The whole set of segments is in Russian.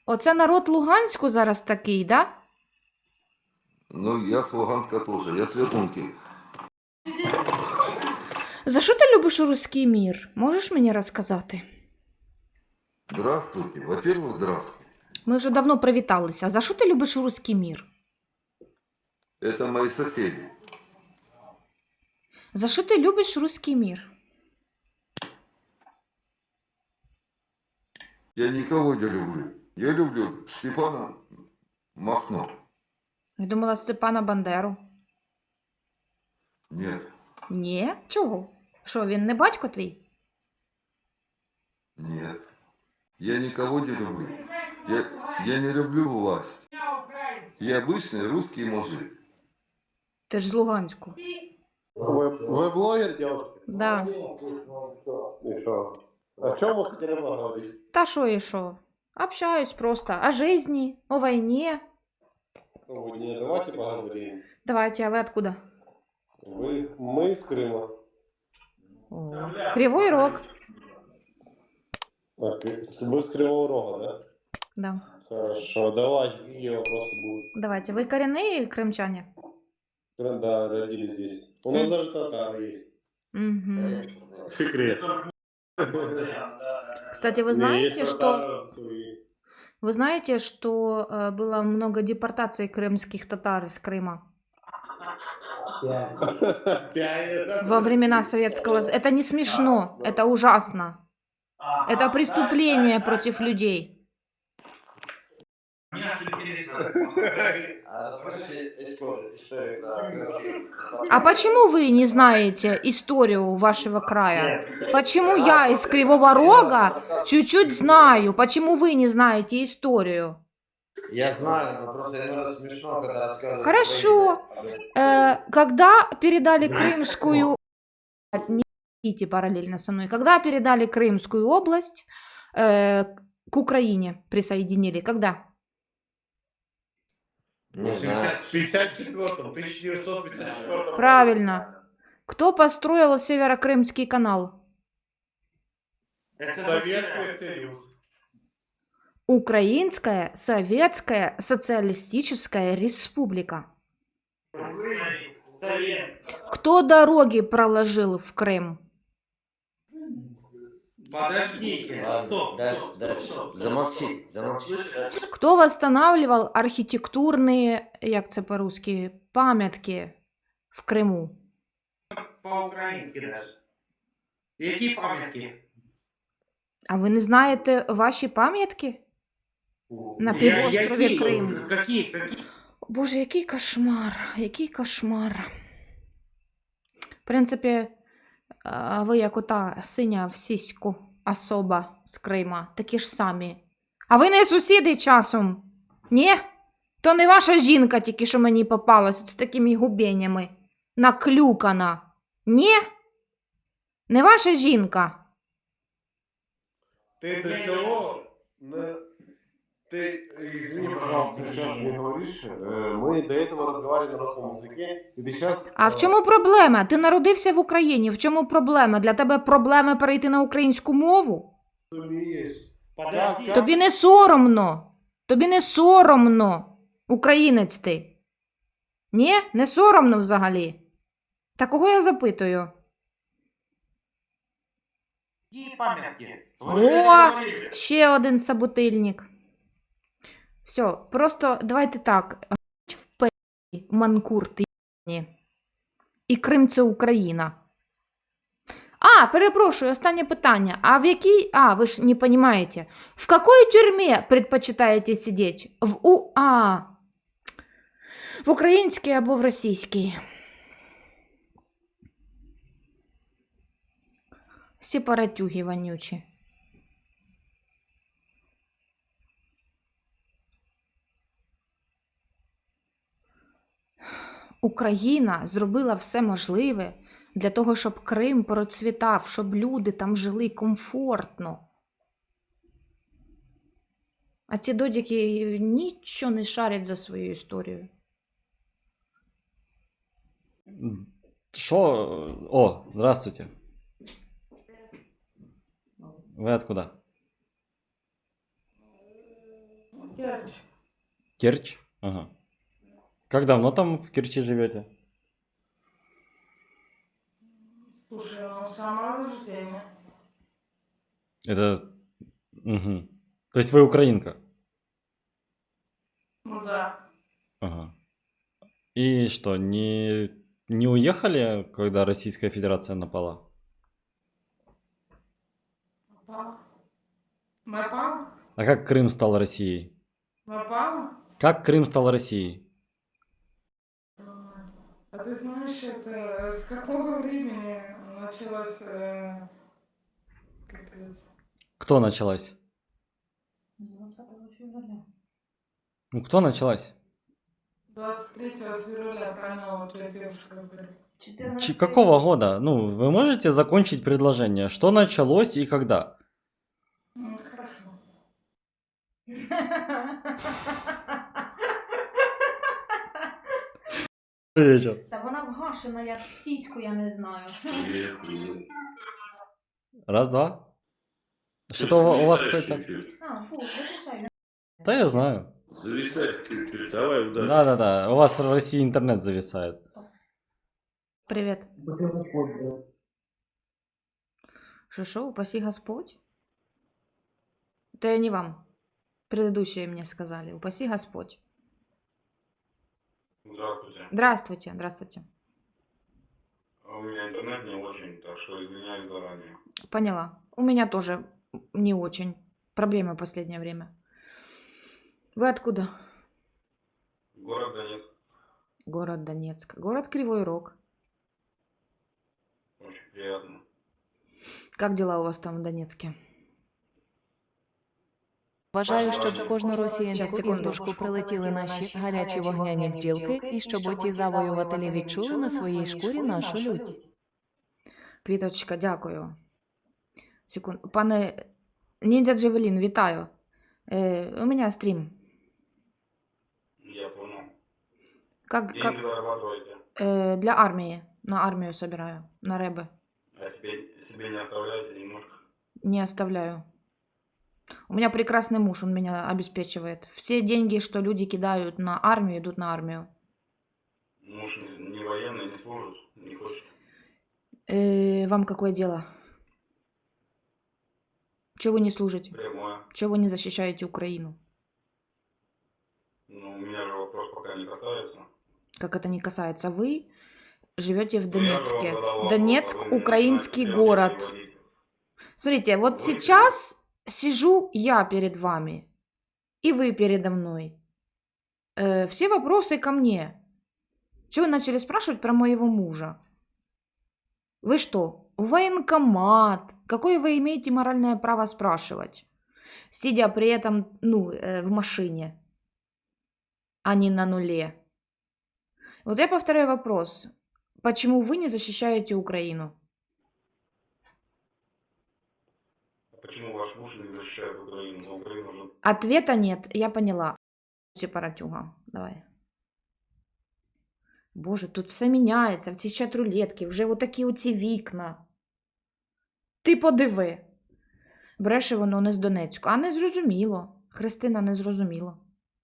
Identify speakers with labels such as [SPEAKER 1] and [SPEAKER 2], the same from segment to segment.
[SPEAKER 1] Оце народ Луганську зараз такий, да?
[SPEAKER 2] Ну, я с Луганска тоже, я с Ветлунки.
[SPEAKER 1] За що ти любиш руський мір? Можеш мені розказати?
[SPEAKER 2] Здравствуйте. Во-первых, здравствуйте.
[SPEAKER 1] Ми вже давно привіталися. За що ти любиш руський мір?
[SPEAKER 2] Это мои соседи.
[SPEAKER 1] За що ти любиш руський мір?
[SPEAKER 2] Я никого не люблю. Я люблю Степана Махно.
[SPEAKER 1] Я думала Степана Бандеру.
[SPEAKER 2] Нет,
[SPEAKER 1] Ні? Чого? Що, він не батько твій?
[SPEAKER 2] нет. Я никого не люблю. Я не люблю власть. Я обычный русский мужик.
[SPEAKER 1] Ти ж з Луганську.
[SPEAKER 3] Вы блогер, девушка?
[SPEAKER 1] Да.
[SPEAKER 3] И что? О чем вы хотели поговорить?
[SPEAKER 1] Та що і що? Общаюсь просто. О жизни, о войне.
[SPEAKER 3] Ну, не, давайте поговорим.
[SPEAKER 1] Давайте, а вы откуда?
[SPEAKER 3] Мы из Крыма.
[SPEAKER 1] Кривой Рог.
[SPEAKER 3] Так, вы с Кривого Рога, да?
[SPEAKER 1] Да.
[SPEAKER 3] Хорошо, давайте, какие вопросы будут?
[SPEAKER 1] Давайте. Вы коренные крымчане?
[SPEAKER 3] Да, родились здесь. У нас даже татары есть.
[SPEAKER 1] Угу.
[SPEAKER 3] Секрет.
[SPEAKER 1] Кстати, вы знаете, что было много депортаций крымских татар из Крыма во времена советского... Это не смешно, это ужасно. Это преступление против людей. А почему вы не знаете историю вашего края? Почему я из Кривого Рога чуть-чуть знаю? Почему вы не знаете историю?
[SPEAKER 4] Я знаю, но просто иногда смешно, когда рассказывают.
[SPEAKER 1] Хорошо. Когда передали Крымскую... Не идите параллельно со мной. Когда передали Крымскую область, к Украине присоединили? Когда?
[SPEAKER 4] Не знаю.
[SPEAKER 3] В 54-м, 1954
[SPEAKER 1] Правильно. Кто построил Северокрымский канал?
[SPEAKER 3] Советский Союз.
[SPEAKER 1] Украинская Советская Социалистическая Республика. Кто дороги проложил в Крым?
[SPEAKER 5] Подождите, стоп, стоп.
[SPEAKER 4] Замолчи.
[SPEAKER 1] Кто восстанавливал архитектурные, як це по-русски, памятки в Криму?
[SPEAKER 5] По-українськи даже. Які пам'ятки?
[SPEAKER 1] А ви не знаєте ваші пам'ятки? На півострові Крим.
[SPEAKER 5] Які?
[SPEAKER 1] Боже, який кошмар, який кошмар. В принципі, ви як ота синя в сіську особа з Крима, такі ж самі. А ви не сусіди часом? Ні? То не ваша жінка тільки що мені попалась з такими губенями. Наклюкана. Ні? Не ваша жінка?
[SPEAKER 3] Ты до чего? Ты, извини, пожалуйста, сейчас не говоришь. Мы до этого разговаривали на русском языке, и ты сейчас...
[SPEAKER 1] А в чому проблема? Ти народився в Україні. В чому проблема? Для тебе проблема перейти на українську мову?
[SPEAKER 5] Подожди.
[SPEAKER 1] Тобі не соромно. Тобі не соромно. Українець ти. Ні? Не соромно взагалі. Та кого я запитую?
[SPEAKER 5] Які пам'ятки?
[SPEAKER 1] О, ще один собутильник. Все, просто давайте так. В пе***і, манкурти ***ні. І Крим – це Україна. А, перепрошую, останнє питання. А в якій... А, ви ж не розумієте. В якій тюрмі предпочитаєте сидіти? В українській або в російській? Сепаратюги вонючі. Україна зробила все можливе для того, щоб Крим процвітав, щоб люди там жили комфортно. А ці додіки нічого не шарять за свою історію.
[SPEAKER 6] Шо? О, здравствуйте. Вы откуда?
[SPEAKER 7] Керчь.
[SPEAKER 6] Керчь? Ага. Как давно там в Керчи живете?
[SPEAKER 7] Слушай, ну, с самого рождения.
[SPEAKER 6] Это... Мгм. То есть вы украинка?
[SPEAKER 7] Ну да.
[SPEAKER 6] Ага. И что, не уехали, когда Российская Федерация напала?
[SPEAKER 7] Напала. Напала?
[SPEAKER 6] А как Крым стал Россией?
[SPEAKER 7] Напала?
[SPEAKER 6] Как Крым стал Россией?
[SPEAKER 7] А ты знаешь, это с какого времени началось, капец,
[SPEAKER 6] Кто началась?
[SPEAKER 7] 20 февраля.
[SPEAKER 6] Ну, кто началась?
[SPEAKER 7] 23 февраля, правильно, вот я девушка говорю.
[SPEAKER 6] Какого года? Ну, вы можете закончить предложение? Что началось и когда?
[SPEAKER 7] Ну, хорошо.
[SPEAKER 6] Вечер.
[SPEAKER 1] Та вона вгашена, як в сіську, я не знаю.
[SPEAKER 6] Раз, два. Что-то у вас какой-то...
[SPEAKER 1] А, фу, виключай.
[SPEAKER 6] Да, я знаю.
[SPEAKER 3] Зависать чуть-чуть, давай ударь.
[SPEAKER 6] Да-да-да, у вас в России интернет зависает.
[SPEAKER 1] Привет. Шо, упаси Господь? Это не вам. Предыдущие мне сказали. Упаси Господь.
[SPEAKER 8] Здравствуйте.
[SPEAKER 1] Здравствуйте, здравствуйте.
[SPEAKER 8] У меня интернет не очень, так что извиняюсь заранее.
[SPEAKER 1] Поняла. У меня тоже не очень. Проблемы в последнее время. Вы откуда?
[SPEAKER 8] Город Донецк.
[SPEAKER 1] Город Донецк. Город Кривой Рог.
[SPEAKER 8] Очень приятно.
[SPEAKER 1] Как дела у вас там в Донецке?
[SPEAKER 9] Бажаю, щоб в кожну
[SPEAKER 1] Щас,
[SPEAKER 9] росіянську
[SPEAKER 1] секунду.
[SPEAKER 9] іздушку прилетіли наші гарячі вогняні бджілки, і щоб оті завоювателі відчули на своїй шкурі нашу лють.
[SPEAKER 1] Квіточка, дякую. Секунду. Пане Ніндзя Джевелін, вітаю. У меня стрим.
[SPEAKER 8] Я понял.
[SPEAKER 1] Как,
[SPEAKER 8] Деньги зарабатываете,
[SPEAKER 1] для армии. На армию собираю. На рэбы.
[SPEAKER 8] а себе не оставляете немножко.
[SPEAKER 1] Не оставляю. У меня прекрасный муж, он меня обеспечивает. Все деньги, что люди кидают на армию, идут на армию.
[SPEAKER 8] Муж не военный, не служит, не хочет.
[SPEAKER 1] Вам какое дело? Чего вы не служите?
[SPEAKER 8] Прямое.
[SPEAKER 1] Чего вы не защищаете Украину?
[SPEAKER 8] Ну, меня же вопрос пока не касается.
[SPEAKER 1] Как это не касается? Вы живете в
[SPEAKER 8] Ну, я же вам
[SPEAKER 1] Донецке.
[SPEAKER 8] задал вопрос,
[SPEAKER 1] Донецк
[SPEAKER 8] а вы мне
[SPEAKER 1] украинский
[SPEAKER 8] начинаете
[SPEAKER 1] город.
[SPEAKER 8] переводить.
[SPEAKER 1] Смотрите, вот
[SPEAKER 8] Говорите.
[SPEAKER 1] сейчас сижу я перед вами, и вы передо мной. Все вопросы ко мне. Чего вы начали спрашивать про моего мужа? Вы что, военкомат? Какое вы имеете моральное право спрашивать? Сидя при этом, в машине, а не на нуле. Вот я повторяю вопрос. Почему вы не защищаете Украину?
[SPEAKER 8] Почему ваш муж не защищает Украину? Но Украина же...
[SPEAKER 1] Ответа нет, я поняла. Сепаратюга, давай. Боже, тут все міняється, в ці чат-рулетки, вже отакі оці вікна. Ти подиви. Бреше воно не з Донецьку. А не зрозуміло. Христина не зрозуміло.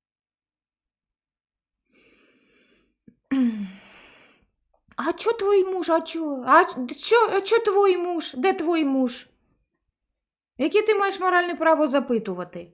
[SPEAKER 1] А чо твій муж? А чо твій муж? Де твій муж? Яке ти маєш моральне право запитувати?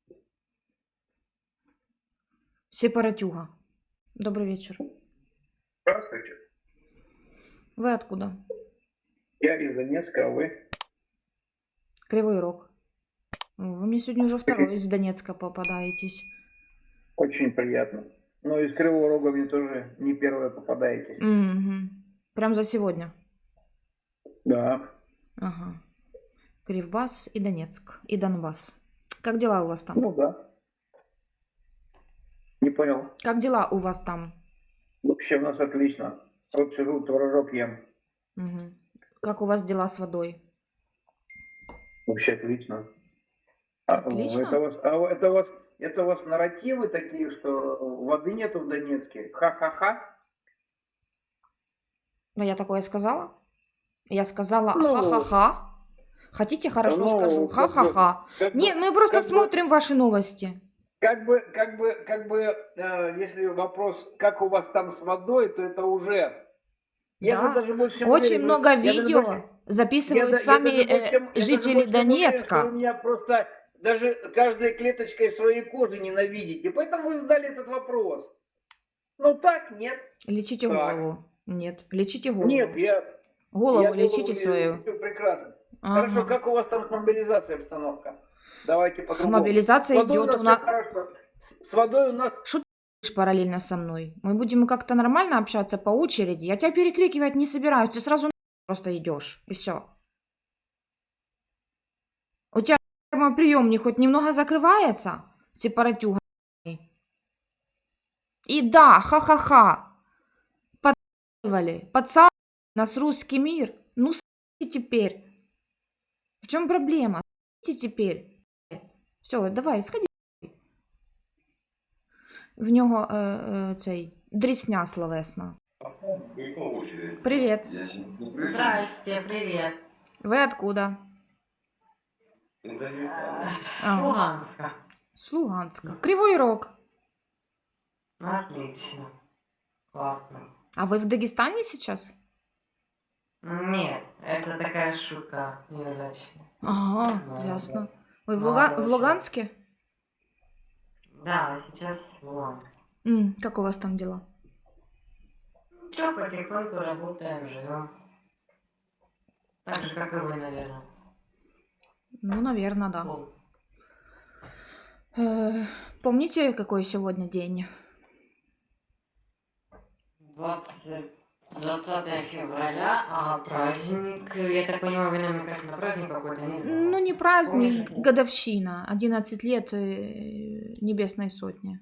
[SPEAKER 1] Сепаратюга. Добрый вечер.
[SPEAKER 10] Здравствуйте.
[SPEAKER 1] Вы откуда?
[SPEAKER 10] Я из Донецка, а вы?
[SPEAKER 1] Кривой Рог. Вы мне сегодня уже второй из Донецка попадаетесь.
[SPEAKER 10] Очень приятно. Но из Кривого Рога мне тоже не первое попадаетесь.
[SPEAKER 1] Угу. Прям за сегодня.
[SPEAKER 10] Да.
[SPEAKER 1] Ага. Кривбас и Донецк. И Донбасс. Как дела у вас там?
[SPEAKER 10] Ну да. Не понял.
[SPEAKER 1] Как дела у вас там?
[SPEAKER 10] Вообще у нас отлично. Вот сижу, творожок ем.
[SPEAKER 1] Угу. Как у вас дела с водой?
[SPEAKER 10] Вообще отлично.
[SPEAKER 1] Отлично?
[SPEAKER 10] Это у вас нарративы такие, что воды нету в Донецке? Ха-ха-ха.
[SPEAKER 1] Ну, я такое сказала? Я сказала
[SPEAKER 10] Ну,
[SPEAKER 1] ха-ха-ха. Хотите, хорошо
[SPEAKER 10] ну,
[SPEAKER 1] скажу.
[SPEAKER 10] как бы-
[SPEAKER 1] Ха-ха-ха.
[SPEAKER 10] как бы-
[SPEAKER 1] Нет, мы просто
[SPEAKER 10] как бы-
[SPEAKER 1] смотрим ваши новости.
[SPEAKER 10] Если вопрос, как у вас там с водой, то это уже... Я
[SPEAKER 1] Да.
[SPEAKER 10] же даже больше чем
[SPEAKER 1] Очень
[SPEAKER 10] уверен,
[SPEAKER 1] много
[SPEAKER 10] я даже
[SPEAKER 1] видео
[SPEAKER 10] больше-
[SPEAKER 1] записывают
[SPEAKER 10] я
[SPEAKER 1] сами
[SPEAKER 10] даже больше чем- я даже
[SPEAKER 1] жители
[SPEAKER 10] больше чем уверен,
[SPEAKER 1] Донецка.
[SPEAKER 10] что вы меня просто даже каждой клеточкой своей кожи ненавидите. Поэтому вы задали этот вопрос. Ну так, нет.
[SPEAKER 1] Лечите
[SPEAKER 10] Так.
[SPEAKER 1] голову. Нет, лечите голову.
[SPEAKER 10] Нет, я
[SPEAKER 1] Голову
[SPEAKER 10] голову
[SPEAKER 1] лечите свою.
[SPEAKER 10] Все прекрасно.
[SPEAKER 1] Ага.
[SPEAKER 10] Хорошо, как у вас там с мобилизацией обстановка? Давайте по-другому.
[SPEAKER 1] Мобилизация
[SPEAKER 10] С водой
[SPEAKER 1] идет
[SPEAKER 10] у
[SPEAKER 1] у
[SPEAKER 10] нас
[SPEAKER 1] нас.
[SPEAKER 10] всё хорошо. С водой у нас...
[SPEAKER 1] Что ты делаешь параллельно со мной? Мы будем как-то нормально общаться по очереди. Я тебя перекрикивать не собираюсь. Ты сразу просто идешь. И все. У тебя приемник хоть немного закрывается? Сепаратюга. И да, ха-ха-ха. Подсаживали нас русский мир. Ну, теперь. В чем проблема? Теперь. Все, давай, сходи. В нього цей дрісня словесна. Привіт.
[SPEAKER 11] Здрасте, привет.
[SPEAKER 1] Ви откуда?
[SPEAKER 11] С Луганска.
[SPEAKER 1] З Луганська. Кривой Рог.
[SPEAKER 11] Отлично. Классно.
[SPEAKER 1] А ви в Дагестане сейчас?
[SPEAKER 11] Нет, это такая шутка неудачная.
[SPEAKER 1] Ага,
[SPEAKER 11] Да,
[SPEAKER 1] ясно. Ви в,
[SPEAKER 11] Да,
[SPEAKER 1] в
[SPEAKER 11] хорошо.
[SPEAKER 1] Луганске?
[SPEAKER 11] Да, сейчас в Луганске.
[SPEAKER 1] Как у вас там дела?
[SPEAKER 11] Что, потихоньку работаем, живем. Так же, как и вы, наверное.
[SPEAKER 1] Ну, наверное, да. Помните, какой сегодня день?
[SPEAKER 11] 20 февраля, а праздник, я так понимаю, вы намекаете на праздник какой-то, не знаю.
[SPEAKER 1] Ну, не праздник,
[SPEAKER 11] Помнишь?
[SPEAKER 1] годовщина. 11 лет Небесной Сотни.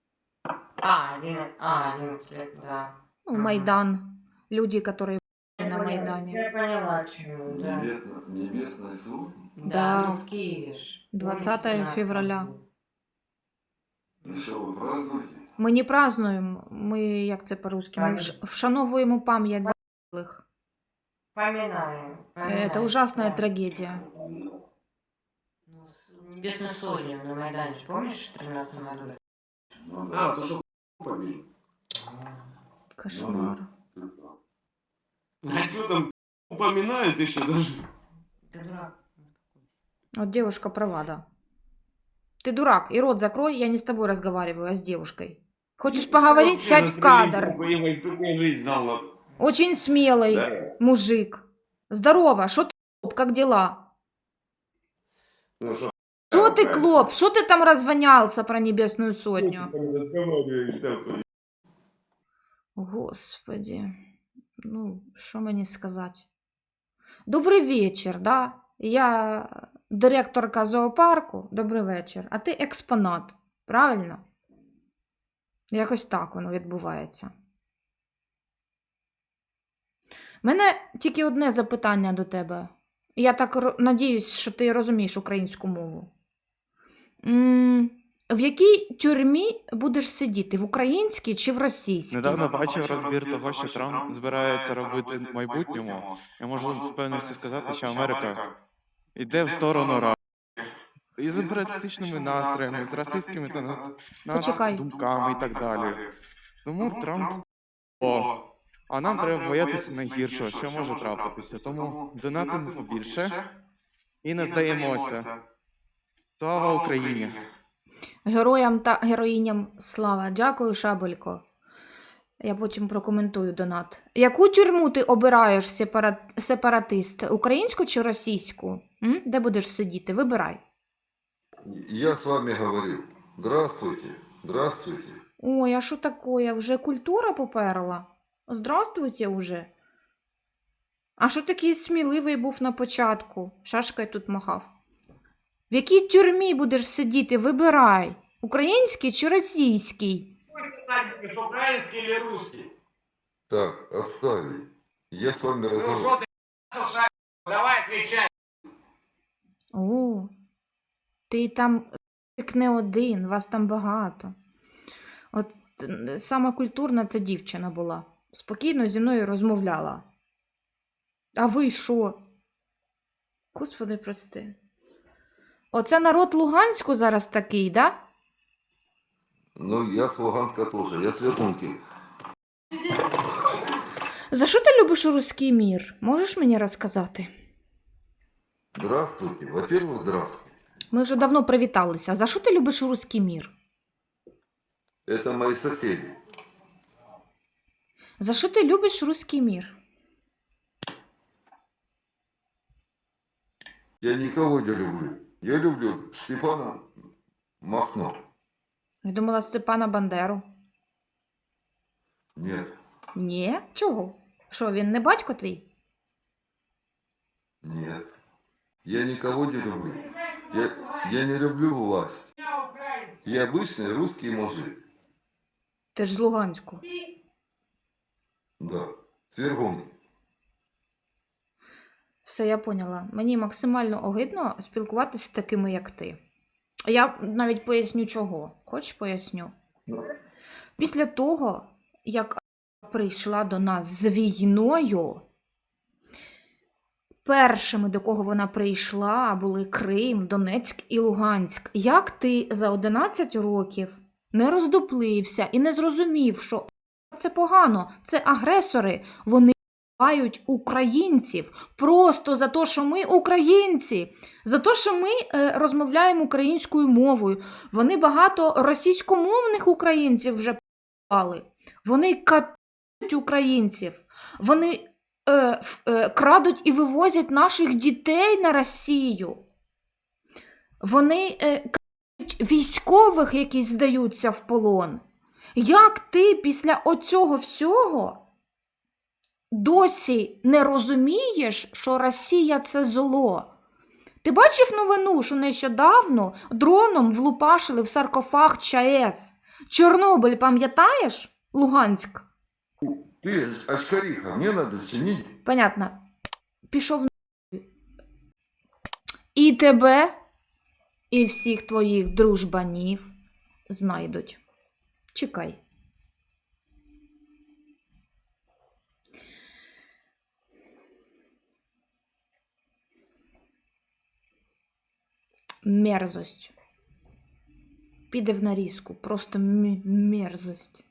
[SPEAKER 11] 11 лет, да.
[SPEAKER 1] Ну, Майдан. Люди, которые на Майдане.
[SPEAKER 11] Я поняла, чему, да.
[SPEAKER 2] Небесный суд?
[SPEAKER 1] Да.
[SPEAKER 11] Ну, в Киеве ж.
[SPEAKER 1] 20
[SPEAKER 11] Помните,
[SPEAKER 1] февраля.
[SPEAKER 2] Ну что, вы празднуете?
[SPEAKER 1] Ми не празднуємо, ми, як це по-русски, ми вшановуємо пам'ять загиблих.
[SPEAKER 11] Поминаем.
[SPEAKER 1] Это ужасная трагедия.
[SPEAKER 11] Ну, Небесную Сотню на Майдане, ж помнишь, в 13 году?
[SPEAKER 2] А, то что побили.
[SPEAKER 1] Кошмар.
[SPEAKER 3] А что там упоминают еще даже?
[SPEAKER 11] Ты дурак.
[SPEAKER 1] Вот девушка права, да. Ты дурак, и рот закрой, я не с тобой разговариваю, а с девушкой. Хочешь поговорить, сядь в кадр. Очень смелый мужик. Здорово, что ты, клоп, как дела? Что ты, клоп, что ты там развонялся про Небесную Сотню? Господи, ну, что мне сказать? Добрый вечер, да? Я директорка зоопарку, добрий вечір. А ти експонат, правильно? Якось так воно відбувається. У мене тільки одне запитання до тебе. Я так надіюсь, що ти розумієш українську мову. В якій тюрмі будеш сидіти? В українській чи в російській?
[SPEAKER 12] Недавно бачив розбір того, що Трамп збирається робити в майбутньому. Я можу з певністю сказати, що Америка йде в сторону Рашки. Із імперіалістичними настроями, з расистськими
[SPEAKER 1] Почекай.
[SPEAKER 12] думками і так далі. Тому Трамп а нам треба боятися найгіршого, що може трапитися. Тому донатимо побільше і не здаємося. Слава Україні!
[SPEAKER 1] Героям та героїням слава. Дякую, Шабелько. Я потім прокоментую донат. Яку тюрму ти обираєш, сепаратист? Українську чи російську? Де будеш сидіти? Вибирай.
[SPEAKER 2] Я с вами говорю. Здравствуйте. Здравствуйте.
[SPEAKER 1] Ой, а що таке? Вже культура поперла? Здравствуйте уже. А що такий сміливий був на початку? Шашкою тут махав. В якій тюрмі будеш сидіти? Вибирай. Український чи російський?
[SPEAKER 5] Украинский или русский?
[SPEAKER 2] Так, отставили. Я с вами разговариваю.
[SPEAKER 5] Давай отвечай.
[SPEAKER 1] О, ти там не один, вас там багато. От сама культурна ця дівчина була. Спокійно зі мною розмовляла. А ви що? Господи, прости. Оце народ Луганську зараз такий, да?
[SPEAKER 2] Ну, я с Луганска тоже, я с Ветунки.
[SPEAKER 1] За що ти любиш руський мір? Можеш мені розказати?
[SPEAKER 2] Здравствуйте. Во-первых, здравствуйте.
[SPEAKER 1] Ми вже давно привіталися. За що ти любиш руський мір?
[SPEAKER 2] Это мои соседи.
[SPEAKER 1] За що ти любиш руський мір?
[SPEAKER 2] Я никого не люблю. Я люблю Степана Махно.
[SPEAKER 1] Я думала Степана Бандеру.
[SPEAKER 2] Нет,
[SPEAKER 1] Ні? Чого? Що, він не батько твій?
[SPEAKER 2] нет. Я никого не люблю. Я не люблю власть. Я обычный русский мужик.
[SPEAKER 1] Ти ж з Луганську.
[SPEAKER 2] Да, с Вергуны.
[SPEAKER 1] Все, я поняла. Мені максимально огидно спілкуватися з такими, як ти. Я навіть поясню чого. Хочеш поясню? Після того, як прийшла до нас з війною, першими, до кого вона прийшла, були Крим, Донецьк і Луганськ. Як ти за 11 років не роздуплився і не зрозумів, що це погано, це агресори, вони вбивають українців просто за те, що ми українці, за те, що ми розмовляємо українською мовою. Вони багато російськомовних українців вже вбивали. Вони катують українців. Вони крадуть і вивозять наших дітей на Росію. Вони крадуть військових, які здаються в полон. Як ти після оцього всього досі не розумієш, що Росія – це зло? Ти бачив новину, що нещодавно дроном влупашили в саркофаг ЧАЕС? Чорнобиль, пам'ятаєш? Луганськ.
[SPEAKER 2] Ты, очкариха, мне надо чинить.
[SPEAKER 1] Понятно. Пішов на... І тебе, і всіх твоїх дружбанів знайдуть. Чекай. Мерзость. Піде в нарізку. Просто мерзость.